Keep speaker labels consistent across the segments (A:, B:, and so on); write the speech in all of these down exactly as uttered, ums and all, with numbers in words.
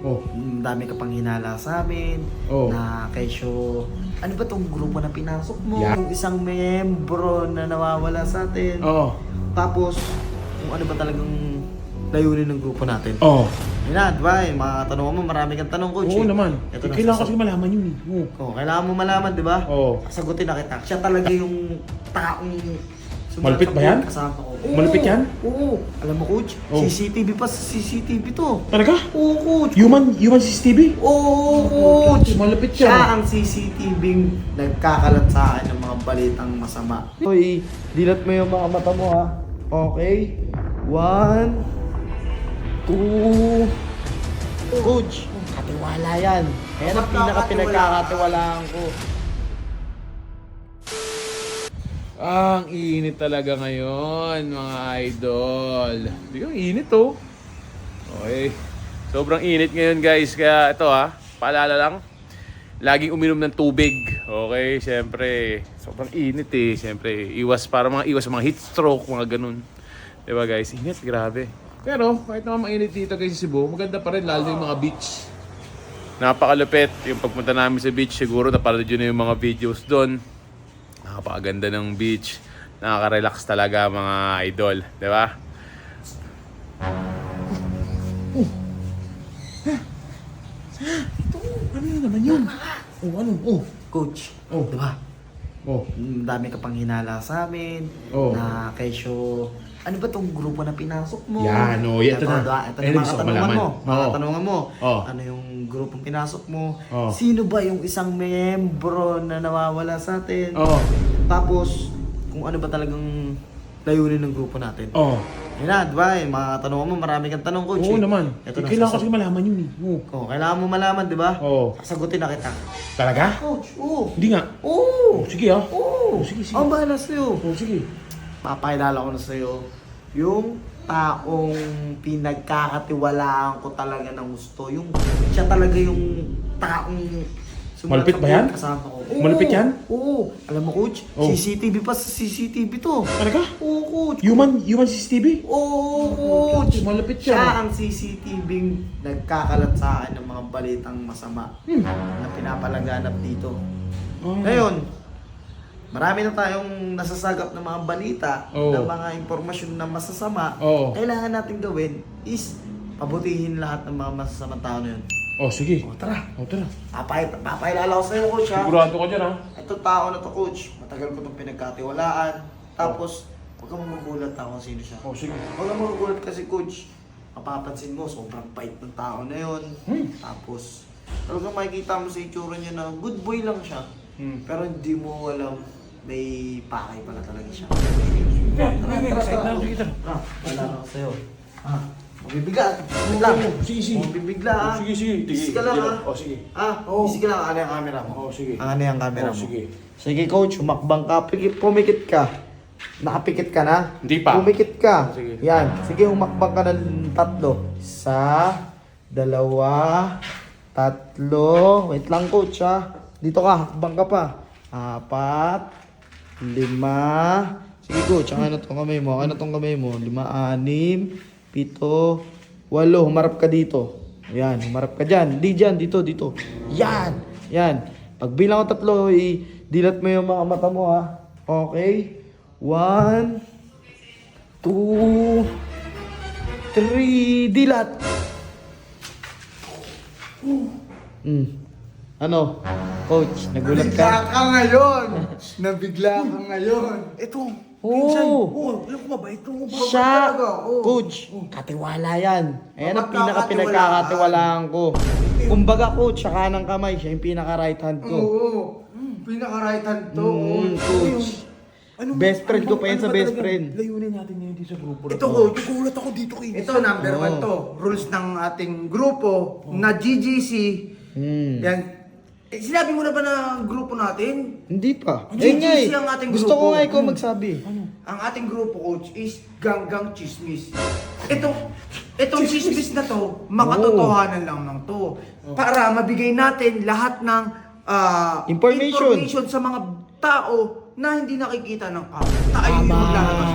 A: Oh.
B: Ang dami ka pang hinala sa amin.
A: Oh.
B: Na kesyo, ano ba tong grupo na pinasok mo?
A: Yeah.
B: Yung isang membro na nawawala sa atin.
A: Oo.
B: Tapos, kung ano ba talagang layunin ng grupo natin.
A: Oo.
B: Yun na, di ba? Yung mga katanungan mo, marami kang tanong, coach.
A: Oo
B: eh.
A: naman.
B: Ito
A: Eh,
B: na,
A: kailangan
B: sasab-
A: kasi malaman yun eh. Oo.
B: Oh, kailangan mo malaman, di ba?
A: Oo.
B: Sagutin na kita. Siya talaga yung taong sumulat
A: Malupit
B: sa
A: ba yan?
B: kasama ko. Oo.
A: Malupit yan?
B: Oo. Alam mo, coach,
A: Oo.
B: C C T V pa sa C C T V to.
A: Talaga?
B: Oo, coach.
A: Human, human C C T V?
B: Oo, coach.
A: Malupit
B: Siya
A: siya.
B: ang C C T V nagkakalat sa akin ng mga balitang masama. Hoy, dilat mo yung mga mata mo, ha? Okay? One, two, coach. Katiwala yan. Ayan ang pinaka-pinagkakatiwalaan ko.
A: Ah, ang init talaga ngayon, mga idol. Hindi ko init oh. Okay. Sobrang init ngayon guys. Kaya ito ha, paalala lang. Laging uminom ng tubig. Okay, syempre. Sobrang init eh. Syempre, iwas para mga iwas sa mga heat stroke, mga ganun. Diba guys? Init, grabe. Pero kahit naman mainit dito guys sa Cebu, maganda pa rin lalo yung mga beach. Napakalupit. Yung pagpunta namin sa beach, siguro napanood yun na yung mga videos doon. Napakaganda ng beach. Nakaka-relax talaga mga idol. Di ba? Oh. Ito, ano yun naman yun? Oh, ano? Oh.
B: Coach,
A: Oh.
B: di ba?
A: Oh.
B: Ang dami ka pang hinala sa amin.
A: Oh.
B: Na kesyo, ano ba tong grupo na pinasok mo?
A: Yan, oh, ito na.
B: Ito, ito
A: Ayun,
B: na mga
A: gusto ko
B: katanungan
A: malaman.
B: mo. Mga
A: Oo.
B: katanungan mo.
A: Oh.
B: Ano yung grupong pinasok mo?
A: Oh.
B: Sino ba yung isang membro na nawawala sa atin?
A: Oh.
B: Tapos, kung ano ba talagang layunin ng grupo natin.
A: Oh.
B: Yun na, di ba? Yung mga katanungan mo, marami kang tanong, coach.
A: Oo
B: eh.
A: naman.
B: Ito
A: Eh,
B: na,
A: kailangan
B: sasab-
A: kasi malaman yun eh. Oo.
B: Oh, kailangan mo malaman, di ba?
A: Oo.
B: Sagutin na kita.
A: Talaga?
B: Coach, oo.
A: Hindi nga.
B: Oo.
A: Oh, sige ah.
B: Oo.
A: Oh, sige, sige.
B: Ang bahala sa'yo.
A: Oh, sige.
B: Papakilala ko na sa'yo yung taong pinagkakatiwalaan ko talaga ng gusto. Yung siya talaga yung taong sumulat
A: Malupit
B: sa
A: ba yan?
B: kasama ko. Oo,
A: Malupit yan?
B: Oo. Alam mo, coach,
A: Oh.
B: C C T V pa sa C C T V to.
A: Talaga?
B: Oo, coach.
A: Human, human C C T V?
B: Oo, coach.
A: Malupit
B: Siya
A: siya.
B: ang C C T V nagkakalat sa akin ng mga balitang masama
A: Hmm.
B: na pinapalaganap dito.
A: Oh.
B: Ngayon, marami na tayong nasasagap ng mga balita,
A: Oo.
B: ng mga impormasyon na masasama.
A: Oo.
B: Kailangan natin gawin is pabutihin lahat ng mga masasamang tao na yun.
A: Oh, sige.
B: O, tara.
A: Oh, tara.
B: Papay, papayalala ko sa'yo, coach, ha?
A: Sigurado ka dyan, ha?
B: Ito tao na to, coach. Matagal ko itong pinagkatiwalaan. Tapos, huwag kang magugulat ha kung sino siya.
A: Oh, sige.
B: Huwag kang magugulat kasi, coach. Mapapansin mo, sobrang bait ng tao na yun.
A: Hmm.
B: Tapos, talagang makikita mo sa itsura niya na good boy lang siya.
A: Hmm.
B: Pero hindi mo alam, may pakay pala talaga siya.
A: Tara, tara, excited na ako. Sige, tara.
B: Ah, wala na ako sa'yo. Ah, mabibigla. Wait lang.
A: Oo, sige, sige.
B: Mabibigla ah.
A: Sige, sige.
B: Easy ka lang ah.
A: Oh, sige.
B: Ah,
A: Oo.
B: easy ka lang. Ano yung camera mo?
A: Oh, sige.
B: Ano yung camera
A: Oh,
B: mo?
A: sige.
B: Sige coach, humakbang ka. Pikit, pumikit ka. Nakapikit ka na?
A: Hindi pa.
B: Pumikit ka.
A: Sige.
B: Yan. Sige, humakbang ka ng tatlo. Isa, dalawa, tatlo. Wait lang coach ha. Dito ka, hakbang ka pa. Apat, lima. Sige coach, ano tong kamay mo? Ano tong kamay mo? Lima, anim, pito, walo. Humarap ka dito. Yan, humarap ka dyan. Di dyan, dito, dito. Yan, yan. Pag bilang ko tatlo, i-dilat mo yung mga mata mo ha. Okay? One, two, three, dilat. Hmm. Ano? Coach, nagulat
C: Nabigla
B: ka?
C: ka ngayon! Nabigla ka ngayon!
A: Ito.
B: Oo.
A: Oh, alam ko mabait to.
B: Siya,
C: talaga, oo.
B: coach, katiwala yan. Ayan ang
C: Mapagkakatiwalaan.
B: pinaka-pinagkakatiwalaan ko. Kumbaga coach, siya kanang kamay, siya yung pinaka-right hand ko.
C: Oo. Pinaka-right hand to.
B: Mm, coach. Best friend ko pa yan sa
A: ba
B: best
A: talagang
B: friend.
A: Layunin natin ngayon dito sa grupo.
C: Ito coach.
A: Nagulat ako dito kay.
C: Ito number one to. Rules ng ating grupo na G G C.
B: Hmm.
C: Yan. Eh, sinabi mo na ba na grupo natin?
B: Hindi pa.
C: Ang
B: Eh nga eh.
C: G G C ang ating
B: Gusto ko
C: grupo.
B: nga ikaw magsabi.
C: Ang ating grupo coach is Ganggang Chismis. Ito, itong chismis na to, makatotohanan lang ng to. Para mabigay natin lahat ng ah,
B: Information.
C: information sa mga tao na hindi nakikita ng tao. Tayo yung
B: Tama.
C: maglalabas.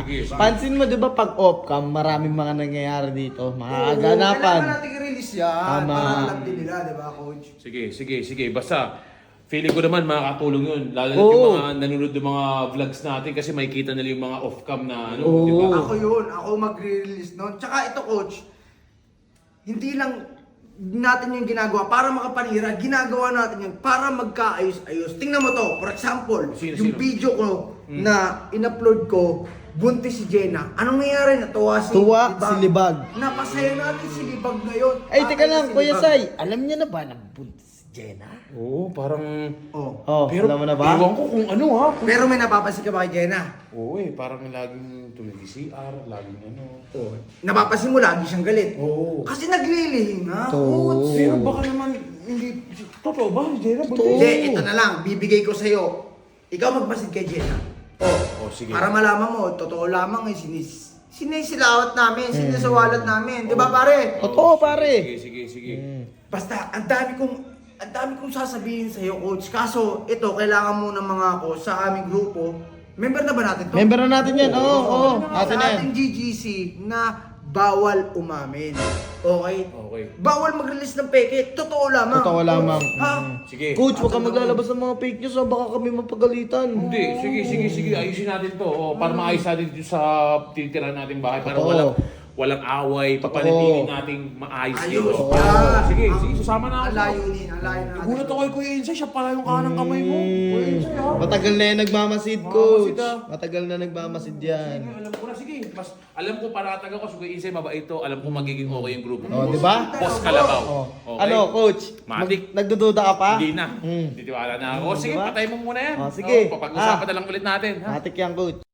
A: Sige, sige.
B: Pansin mo, di ba, pag off-cam, maraming mga nangyayari dito. Mga
C: Oo,
B: aganapan.
C: Kailangan natin i-release yan.
B: Tama.
C: Para alam din nila, di ba, coach?
A: Sige, sige, sige. Basta, feeling ko naman makakatulong yun. Lalo na
B: Oo.
A: yung mga nanonood ng mga vlogs natin kasi makikita nila yung mga off-cam na ano,
B: Oo.
A: di ba?
C: Ako yun, ako mag-release nun. Tsaka ito, coach, hindi lang natin yung ginagawa para makapanira, ginagawa natin yun para magkaayos-ayos. Tingnan mo to, for example,
A: Sino,
C: yung
A: sino?
C: video ko na in-upload ko, buntis si Jenna. Anong nangyari? Natuwa si
B: Tuwa si Libag.
C: Napasaya natin si Libag ngayon.
B: Ay, teka
C: Akin na
B: lang,
C: si
B: Kuya
C: Libag.
B: Sai. Alam niya na ba na buntis si Jenna?
A: Oo, parang...
C: Oh.
B: Oh, alam mo na ba?
A: Ewan ko kung ano ha. Kung...
C: Pero may napapansin ka ba kay Jenna?
A: Oo eh, parang laging tuloy C R, laging ano.
C: Oh. Napapansin mo lagi siyang galit.
A: Oo.
C: Kasi naglilihing nga.
B: To.
C: Oo.
A: Pero baka naman, hindi... Totoo ba? Jenna, buntis?
C: Hindi, ito na lang. Bibigay ko sa'yo. Ikaw magmasid kay Jenna. Oh.
A: Oh, sige.
C: Para malaman mo, totoo lamang eh, sinis sinisilawat namin, sinisawalat namin. Di ba pare?
B: Totoo, pare.
A: Sige, sige, sige.
C: Basta, ang dami kong, ang dami kong sasabihin sa'yo, coach. Kaso, ito, kailangan muna mga ako sa aming grupo. Member na ba natin to?
B: Member na natin yan. Oo, oo. Atin
C: Sa
B: na yan.
C: ating G G C na bawal umamin. Okay?
A: Okay.
C: Bawal mag-release ng peke. Totoo lamang.
B: Totoo lamang.
C: Ha?
A: Sige.
B: Coach, huwag kang maglalabas ng mga fake news. Oh, baka kami mapagalitan.
A: Hindi, sige, sige, sige. Ayusin natin to. Oh, para maayos natin dito sa titirahan nating bahay. Para
B: Totoo.
A: walang, walang away. Papanatili nating maayos
C: Ayos.
A: dito.
C: Yeah.
A: Sige,
C: Ang-
A: sige, susama na
C: Ang
A: ako.
C: layunin, ang layunin. natin.
A: Nagulat ako kay Kuya Insay. Siya pala yung kanang kamay mo. Kuya Insay, ha?
B: Matagal na yan nagmamasid, coach.
A: Mamasid, ah.
B: Matagal na nagmamasid yan.
A: Sige, alam ko na. Sige, mas alam ko paratag ako. So, Kuya Insay, mabait to. Alam ko magiging okay yung grupo.
B: Oh, di ba?
A: Boss Kalabaw.
B: Oh.
A: Okay?
B: Ano, coach?
A: Matik.
B: Mag- nagdududa ka pa?
A: Hindi na.
B: Hmm.
A: Titiwala na ako.
B: Hmm,
A: Sige,
B: diba?
A: patay mo muna yan.
B: Oh, sige.
A: Oh, papag-usapan
B: Ah.
A: na lang ulit natin. Ha?
B: Matik yan, coach.